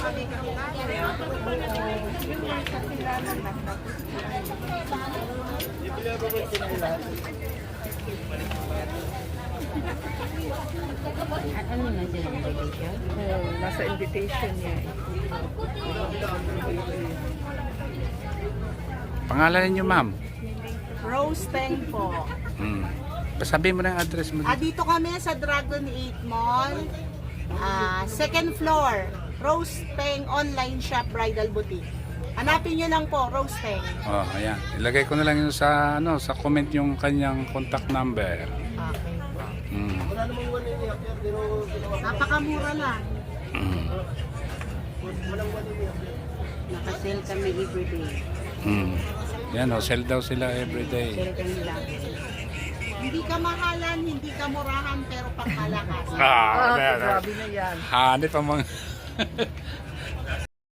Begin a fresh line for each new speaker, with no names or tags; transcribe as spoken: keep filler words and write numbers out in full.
Ano na sila invitation?
Oo, nasa invitation niya eh.
Pangalan niyo, ma'am?
Rose Teng po.
Hmm. Pasabi mo na yung address mo.
Ah, dito kami sa Dragon eight Mall. Ah, second floor. Rose Teng Online Shop Bridal Boutique. Hanapin nyo lang po, Rose Teng.
Oh, ayan. Ilagay ko na lang yun sa ano, sa comment yung kanyang contact number.
Okay po.
Hmm.
Napakamura lang.
Hmm.
Nakasale kami everyday.
Hmm. Yan, oh, sell daw sila everyday.
Sale kami lang.
Hindi ka mahalan, hindi ka murahan, pero pangkalakas.
Ah,
Ah,
ayan,
grabe na yan.
hanip ang mga